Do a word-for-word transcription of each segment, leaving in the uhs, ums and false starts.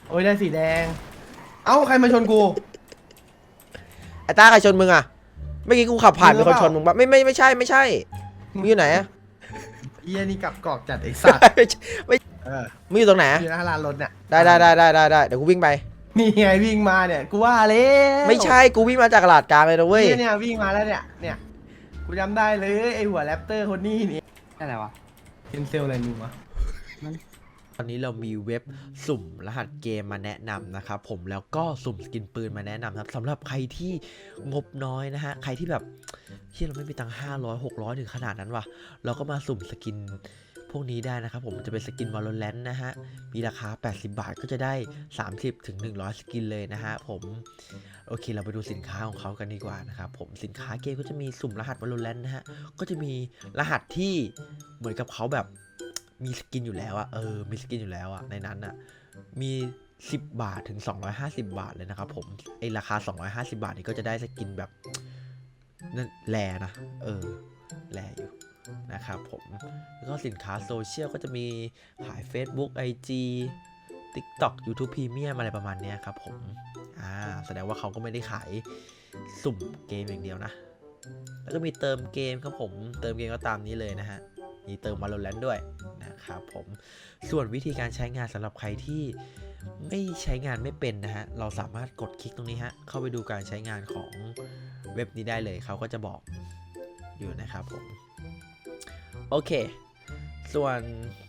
โอ้ยได้สีแดงเอ้าใครมาชนกูไอ้ต้าใครชนมึงอ่ะเมื่อกี้กูขับผ่านมีคนชนมึงปะไม่ไม่ไม่ใช่ไม่ใช่มึงอยู่ไหนอะเฮียนี่กลับกอกจัดไอ้สัตว์ไม่เออมึงอยู่ตรงไหนอยู่หน้าร้านรถเนี่ยได้ได้ได้ได้ได้ได้เดี๋ยวกูวิ่งไปนี่ไงวิ่งมาเนี่ยกูว่าแล้วไม่ใช่กูวิ่งมาจากตลาดกลางเลยนะเว้ยเนี่ยเนี่ยวิ่งมาแล้วเนี่ยเนี่ยกูจำได้เลยไอ้หัวแรปเตอร์คนนี้นี่อะไรวะเป็นเซลอะไรมึงวะตอนนี้เรามีเว็บสุ่มรหัสเกมมาแนะนำนะครับผมแล้วก็สุ่มสกินปืนมาแนะนำครับสำหรับใครที่งบน้อยนะฮะใครที่แบบที่เราไม่มีตังค์ห้าร้อยหกร้อยถึงขนาดนั้นวะเราก็มาสุ่มสกินพวกนี้ได้นะครับผมจะเป็นสกิน Valorant นะฮะมีราคาแปดสิบบาทก็จะได้สามสิบถึงหนึ่งร้อยสกินเลยนะฮะผมโอเคเราไปดูสินค้าของเขากันดีกว่านะครับผมสินค้าเกมก็จะมีสุ่มรหัส Valorant นะฮะก็จะมีรหัสที่เหมือนกับเขาแบบมีสกินอยู่แล้วอะเออมีสกินอยู่แล้วอะในนั้นอะมีสิบบาทถึงสองร้อยห้าสิบบาทเลยนะครับผมไอราคาสองร้อยห้าสิบบาทนี่ก็จะได้สกินแบบนั่นแลนะเออแลอยู่นะครับผมแล้วก็สินค้าโซเชียลก็จะมีขาย Facebook ไอ จี TikTok YouTube Premium อะไรประมาณนี้ครับผมอ่าแสดงว่าเขาก็ไม่ได้ขายสุ่มเกมอย่างเดียวนะแล้วก็มีเติมเกมครับผมเติมเกมก็ตามนี้เลยนะฮะมีเติม Valorant ด้วยนะครับผมส่วนวิธีการใช้งานสำหรับใครที่ไม่ใช้งานไม่เป็นนะฮะเราสามารถกดคลิกตรงนี้ฮะเข้าไปดูการใช้งานของเว็บนี้ได้เลยเขาก็จะบอกอยู่นะครับผมโอเคส่วน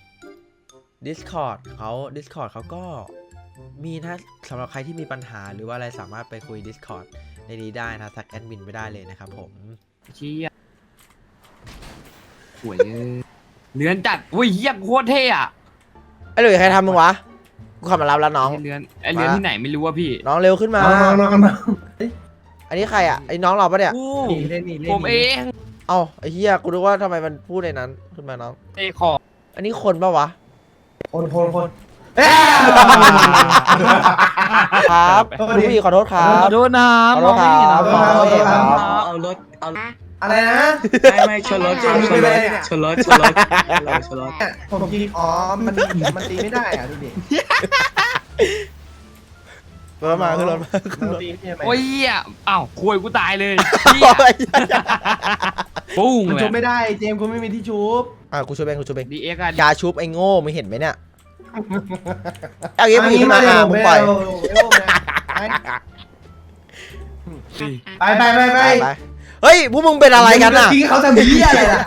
Discord เขา Discord เขาก็มีนะสำหรับใครที่มีปัญหาหรือว่าอะไรสามารถไปคุย Discord ในนี้ได้นะทักแอดมินไม่ได้เลยนะครับผมเชี่ยสวยเรือนจัดอุ้ยเยี่ยมโคตรเท่อะไอ้หลุยใครทำมึงวะกูขับมารับแล้วน้องไเรือนไอเรือนที่ไหนไม่รู้ว่าพี่น้องเร็วขึ้นมาน้องน้องน้องอันนี้ใครอ่ะไอ้น้องเราปะเนี่ยโอ้หนีเล่นหนีเล่นผมเองเอ้าไอ้เหี้ยกูนึกว่าทำไมมันพูดในนั้นขึ้นมาน้องเอคออันนี้คนปะวะคนคนคนครับลูกพี่ขอโทษครัขบอโทษนะขอโทษครับขอโทษครับเอารถเอาอะไรนะไม่ไม่ชนรถชนรถชนรถชนรถชนรถเนี่ยผมคิดอ๋อมันมันตีไม่ได้อ่ะดูดิรถมาขึ้นรถมาขึ้นมันรถตีไม่ได้ไหมโอ้ยเหี้ยอ้าวคุยกูตายเลยเหี้ยปุ้งมันเลชุยบไม่ได้เจมส์กูไม่มีที่ชุบอ่ะกูช่วยเองกูช่วยเองดีเอ็กซ์อะยาชุบไอ้โง่มึงเห็นไหมเนี่ยเอางี้มึงขึ้นมาอ่ะมึงปล่อยไปไปไปไปไปเฮ้ยพวกมึงเป็นอะไรกันอ่ะทิ้งเขาทำเหี้ยอะไรล่ะ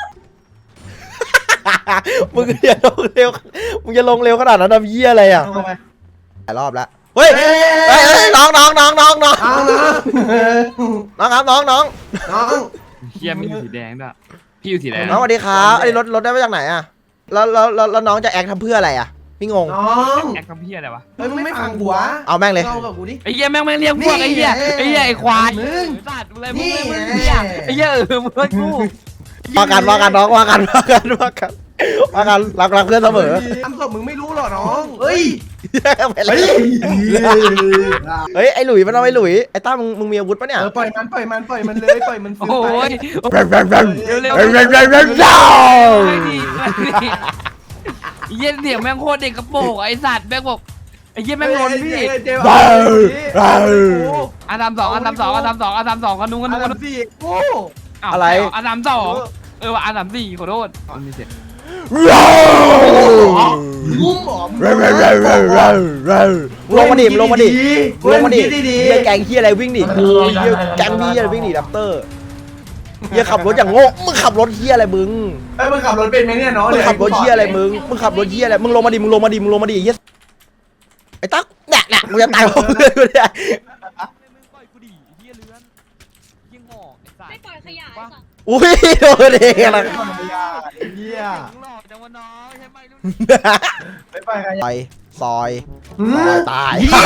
มึงอย่าลงเร็วมึงจะลงเร็วขนาดนั้นทำเหี้ยอะไรอ่ะเอาไปหลายรอบแล้วเฮ้ยเฮ้ยเฮ้ยน้องน้องน้องน้องน้องเอานะน้องครับน้องน้องน้องเหี้ยไม่อยู่สีแดงด้วยพี่อยู่สีแดงน้องสวัสดีครับไอ้รถรถได้มาจากไหนอ่ะแล้วแล้วแล้วน้องจะแอคทำเพื่ออะไรอ่ะพี่งงน้องแอคทำเหี้ยอะไรวะเฮ้ยมึงไม่ฟังกูวะเอาแม่งเลยเล่ากับกูดิไอ้เหี้ยแม่งแม่งเรียกพวกไอ้เหี้ยไอ้เหี้ยไอ้ควายมึงสัตว์อะไรมึงนี่มึงเหี้ยไอ้เหี้ยเออมึงกูว่ากันว่ากันน้องว่ากันว่ากันว่ากันว่ากันรักรักเพื่อนเสมอทำศพมึงไม่รู้หรอน้องเฮ้ยไปเลยเฮ้ยไอ้หลุยมันเอาไอ้หลุยไอ้ต้ามึงมึงมีอาวุธปะเนี่ยเออปล่อยมันปล่อยมันปล่อยมันเลยปล่อยมันฟื้นโอ้ไปยเร็วเร็วเร็วเร็วเร็วเร็วเร็วเร็วเร็วเร็วไม่ดีไม่ดีเหี้ยเสียงแม่งโคตรเด็กกระโปรงไอ้สัตว์แม่งบอกไอ้เหี้ยแม่งล้นพี่เจ๊เร็วเร็วอาทำสองอาทำสองอาทำสองอาทำสองกันนุ้งกันอันุ้นงกันดับสี่โอ้อะไรอาทำสองเออว่าอาทำสี่ขอโทษมันมีเสียงเร็วงุ้มหมอมเร็วเร็วเร็วเร็วเร็วเร็วลงมาดิลงมาดิลงมาดิเฮียแกงเฮียอะไรวิ่งดิเฮียแกงพี่อะไรวิ่งดิดับเตอร์เฮียขับรถอย่างโง่มึงขับรถเฮียอะไรมึงเอ้ยมึงขับรถเป็นไหมเนี่ยน้องมึงขับรถเฮียอะไรมึงมึงขับรถเฮียอะไรมึงลงมาดิมึงลงมาดิมึงลงมาดิเฮียไอ้ตั๊กแหนะแหนะมึงจะตายเพราะเพื่อนกูเนี่ยปล่อยกูดิเฮียเลื้อนเฮียงอกไอ้สัตไม่ว์ปล่อยขยะไอ้สัตว์อุ้ยโดนเองละเฮียหลอกจังวะน้องใช่ไหมลูกไม่ไปใครซอยซอยอืซมอยตาย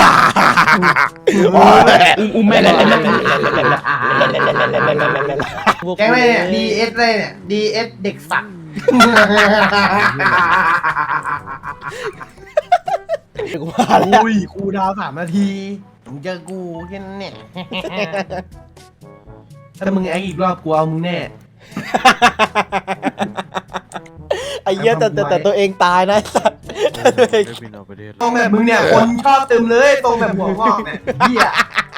อุ้มแม่เลยแกงอะไรเนี่ย ดี เอส อะไรเนี่ย ดี เอส เด็กสัตว์กูว่าแล้วอุ้ยครูดาวสามนาทีมึงเจอกูแค่นั้นเนี่ยถ้ามึงแอคอีกรอบกูเอามึงแน่ไอ้เหี้ยแต่แต่แต่ตัวเองตายนะไอ้สัตว์ตัวเองตรงแบบมึงเนี่ยคนชอบเต็มเลยตรงแบบหัวงอกเนี่ยเหี้ย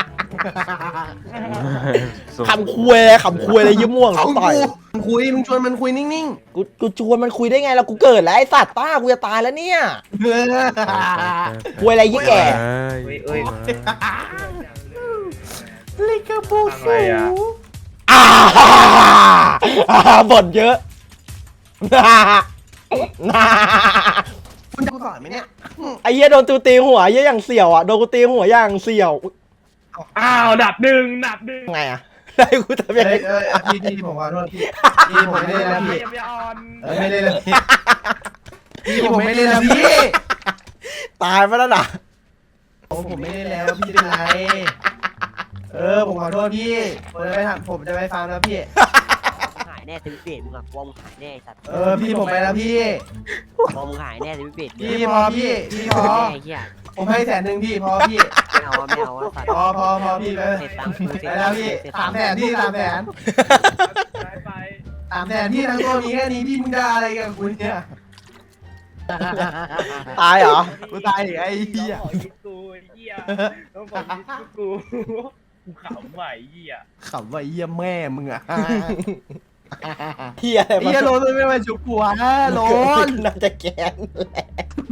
ขำคุยเลยขำคุยเลยยิ้มม่วงเอาต่อยมึงคุยมึงชวนมันคุยนิ่งกูกูชวนมันคุยได้ไงแล้วกูเกิดแล้วไอ้สัตว์ต้ากูจะตายแล้วเนี่ยๆเออคุยอะไรยี่แก่เอ้ยเอ้ยลิกาบูอะไรฟูอ่ะอ่าอ่าบ่นเยอะคุณจะสอนไหมเนี่ยไอ้เหี้ยโดนตูตีหัวเหี้ยอย่างเสี่ยวอ่ะโดนกูตีหัวอย่างเสี่ยวอ้าวดับหนึ่งดับหนึ่งไงอ่ะได้กูทำยังไงเอ้ยเอ้ยพี่พี่ผมขอโทษพี่พี่ผมไม่ได้แล้วพี่ยังไม่ออนเออไม่ได้แล้วพี่พี่ผมไม่ได้แล้วพี่ตายไปแล้วนะโอ้ผมไม่ได้แล้วพี่เป็นไรเออผมขอโทษพี่ผมจะไปทำผมจะไปฟังแล้วพี่หายแน่สวิตช์เบดมึงอะกลัวมึงหายแน่ไอ้สัตว์เออพี่ผมไปแล้วพี่กลัวมึงหายแน่สวิตช์เบดพี่พอพี่พี่พอแน่ไอ้เหี้ยผมให้แสนหนึ่งพี่พอพี่ไม่เอาอะไม่เอาอะสัตว์พอพอพอพี่ไปเสร็จตังค์กูเสร็จไปแล้วพี่สามแสนพี่สามแสนไปไปสามแสนพี่ทั้งตัวมีแค่นี้พี่มึงจะอะไรกับคุณเนี่ยตายเหรอกูตายอีกไอ้เหี้ยขอยิงกูไอ้เหี้ยต้องขอยิงกูกูขำไหวเหี้ยขำว่าไอ้เหี้ยแม่มึงอะเหี้ยอะไรไอ้เหี้ยโลนมันไม่มาชุบกูฮะโลนน่าจะแกนแหละ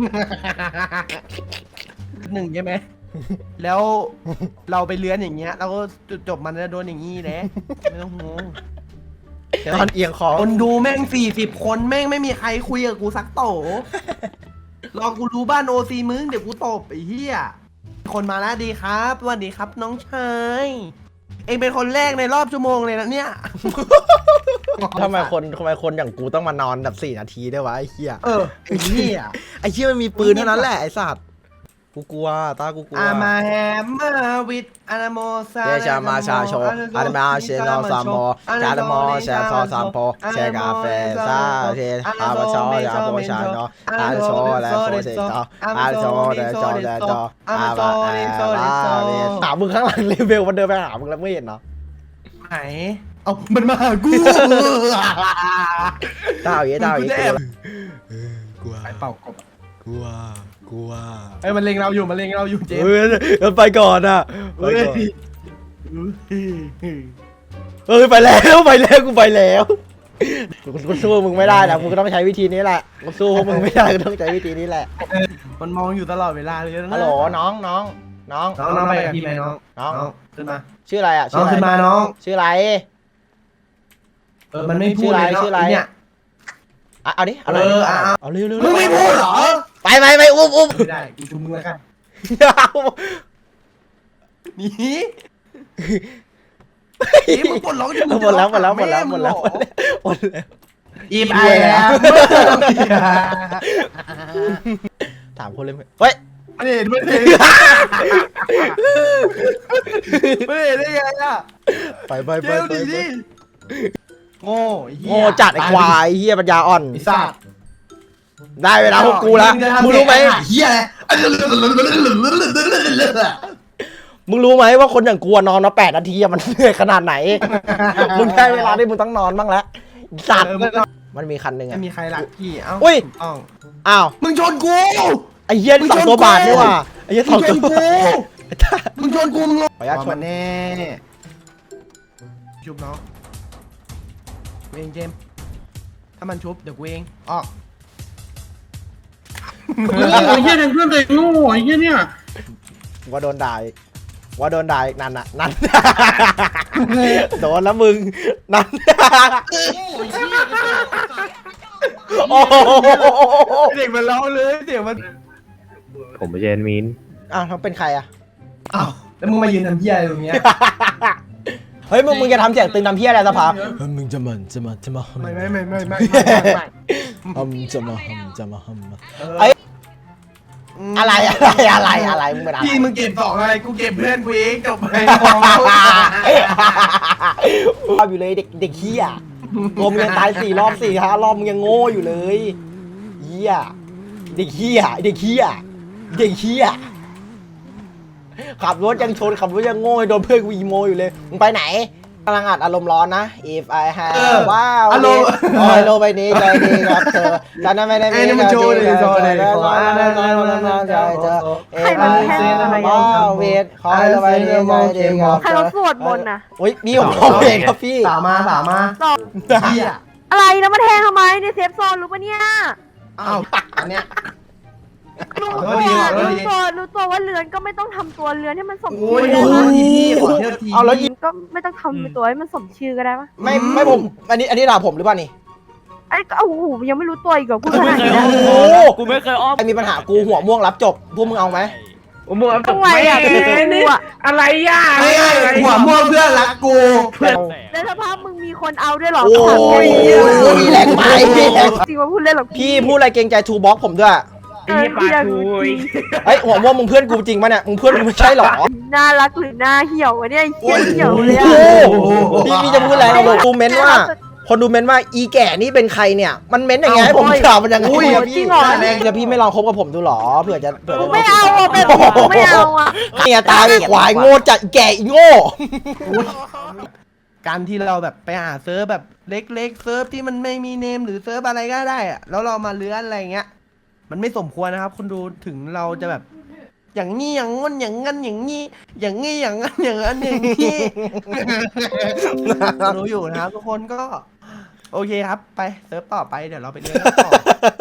หนึ่งใช่ไหมแล้วเราไปเลื้อนอย่างเงี้ยเราก็จุดจบมันจะโดนอย่างงี้แหละไม่ต้องห่วงตอนเอียงคอคนดูแม่งสี่สิบคนแม่งไม่มีใครคุยกับกูสักโตรอกูรู้บ้านโอซีมึงเดี๋ยวกูตบไอ้เหี้ยคนมาแล้วดีครับสวัสดีครับน้องชายเองเป็นคนแรกในรอบชั่วโมงเลยนะเนี่ยทำไมคนทำไมคนอย่างกูต้องมานอนแบบสี่นาทีด้วยวะไอ้เหี้ยเออไอ้เหี้ยไอ้เหี้ยมันมีปืนเท่านั้นแหละไอ้สัตว์กูกลัวตากูกลัวอามาแฮมมาวิดอานาโมซาเดชามาชาโชอานามาเชโนซามโมชาดโมเชซอซามโพเชกาเฟซาเชอาบาชอยาโบชาโนอาโชและโซเซโตอาโชและโชและโตอาบาอาบาเวถามมึงข้างหลังเลเวลมันเดินไปหามึงแล้วไม่เห็นเนาะไหนเอามันมาหากูตาเอาอย่างงี้ตาเอาอย่างงี้กลัวไปเป่ากบกลัวกลัวไอ้ยมันเล็งเราอยู่มันเล็งเราอยู่เจมส์เฮ้ยมันไปก่อนอ่ะไปเฮ้ยก่อนเฮ้ยไปแล้วไปแล้วกูไปแล้วกูสู้มึงไม่ได้นะมึงก็ต้องใช้วิธีนี้แหละกูสู้พวกมึงไม่ได้ก็ต้องใช้วิธีนี้แหละมันมองอยู่ตลอดเวลาเลยนะฮัลโหลน้องน้องน้องน้องน้องไปกับพี่ไหมน้องน้องขึ้นมาชื่ออะไรอ่ะน้องขึ้นมาน้องชื่ออะไรเออมันไม่พูดเลยชื่ออะไรเนาะเนี่ยอ่ะเอาดิเอาเลยเออเอาเอาเร็วเร็วมึงไม่พูดเหรอไปไปไปอุ้มอุ้มไม่ได้กูชุมมึงแล้วกันหนี่นี่มึงปลดล็อกจนมึงหมดแล้วหมดแล้วหมดแล้วหมดแล้วแหมดแล้วหมดแล้วอีบไอ้แล้วถามคนเลยเฮ้ยไม่เห็นไม่เห็นไม่เห็นได้ไงอ่ะไปไปเจไปลไปดีดิโง่ไอ้เหี้ยโง่จัดไอ้ควายเฮียปัญญาอ่อนไอ้สัตว์ได้เวลาพวกกูแล้วมึงรู้ไหมเหี้ยอะไรมึงรู้ไหมว่าคนอย่างกูอะนอนมาแปดนาทีอะมันเหนื่อยขนาดไหน มึงได้เวลาที่มึงต้องนอนบ้างแล้วสัตว์มันมีคันหนึ่งไม่อะมีใครรักพี่เอ้าอุ้ยถูกต้องอ้าวมึงชนกูไอ้เหี้ยนี่สองตัวบาทนี่ว่ะไอ้เหี้ยสมึองงชตัวนกู มึงชนกูมึงขออนุญาตชนแน่ชุบน้องกูเองเจมส์ถ้ามันชุบเดี๋ยวกูเองออกเออไอ้เหี้ยนั่นเพื่อนตัวเองโง่ไอ้เหี้ยเนี่ยว่าโดนด่าอีกว่าโดนด่าอีกนั่นน่ะนั่น โดนแล้วมึงนั่นโอ้โหเด็กมันร้องเลยเด็กมันผมไม่ใช่แอดมินอ้าวเขาเป็นใครอะอ้าวแล้วมึงมายืนทำเหี้ยอะไรตรงเนี้ยเฮ้ยมึงมึงจะทำเสียงตึงทำเพี้ยอะไรสภามึงจะมันจะมาจะมาไม่ไม่ไม่ไม่ไม่ฮัมจะมาฮัมจะมาฮัมเออไอ้อะไรอะไรอะไรอะไรมึงเป็นอะไรพี่มึงเก็บสองอะไรกูเก็บเพื่อนกูเองจบไปชอบอยู่เลยเด็กเด็กเฮียงมยังตายสี่รอบสี่ห้ารอบมึงยังโง่อยู่เลยเฮียเด็กเฮียเด็กเฮียเด็กเฮียขับรถยังชนขับรถยังโง่โดนเพื่อนกูอีโมอยู่เลยมึงไปไหนกำลังอัดอารมณ์ร้อนนะ if I เอ have อว้าวอารมณ์โอ้ยโลกใบนี้ใจดีครับเธอฉันนั้นไม่ได้มีไอ้นี่มันโชว์เลยโชว์เลยใจขออ่านหน่อยขออ่านหน่อยใจเธอใครมันแค่อะไรว้าวเวทขอให้โลกใบนี้ใจดีครับใครเขาสวดมนต์น่ะโอ้ยนี่ผมร้องเพลงครับพี่สาวมาสาวมาตอบเฮียอะไรแล้วมาแทงทำไมในเซฟโซนรู้ปะเนี่ยอ้าวอันเนี้ยรู้ขอตัโทวษทีขอโทษทีรู้ตัวรู้ตัวว่าเรือนก็ไม่ต้องทำตัวเรือนให้มันสมโอ้ชื่ยอขอได้โทปะษทีพี่ขอโทษทีเอาแล้วยิงก็ไม่ต้องทำเป็นตัวให้มันสมชื่อก็ได้ปะไม่ไม่ผมอันนี้อันนี้ด่าผมหรือเปล่านี่ไอ้ก็โอ้โหยังไม่รู้ตัวอีกเหรอกูขนาดนี้โอ้แล้วโหกูไม่เคยอ้อมไอมีปัญหากูหัวม่วงรับจบพวกมึงเอาไหมผมบอกทำไมอ่ะคือกูอ่ะอะไรย่าไม่ไงหัวม่วงเพื่อนรักกูแล้วถ้าภาพมึงมีคนเอาด้วยเหรอโอ้ถามหน่อยยมีแรงไปพี่แรงจริงว่าพูดเล่นหรอกพี่พูดอะไรเกรงใจทูบ็อกผมด้วยเออพี่อยากรู้จริงเฮ้ยหัวม่วงมึงเพื่อนกูจริงปะเนี่ยมึงเพื่อนกูไม่ใช่หรอน่ารักหรือหน้าเหี่ยววะเนี่ยไอ้เหี้ยเหี่ยวเลยโอ้อ่ะโหพี่พี่จะพูดอะไรเราดูเม้นว่า คนดูเม้นว่าอีแก่นี่เป็นใครเนี่ย มันเม้นอย่างไงให้ผมถามมันยังไงอุ้ยอะจริพี่งเหรอแรงจะพี่ไม่ลองคบกับผมดูหรอเผื่อจะเผื่อกูจะไม่เอาอ่ะแบบนี้กูไม่เอาอ่ะเนี่ยตายไปควายโง่จัดแก่อีโง่การที่เราแบบไปหาเซิร์ฟแบบเล็กๆเซิร์ฟที่มันไม่มีเนมหรือเซิร์ฟอะไรก็ได้อะแล้วเรามาเลื้อนอะไรเงี้ย มันไม่สมควรนะครับคุณดูถึงเราจะแบบ อย่างนี้อย่างงั้นอย่างงั้นอย่างนี้อย่างนี้อย่างงั้นอย่างนั้นอย่างนี้ รู้อยู่นะครับทุกคนก็ โอเคครับไปเซิร์ฟต่อไปเดี๋ยวเราไปเลื้อนกันต่อ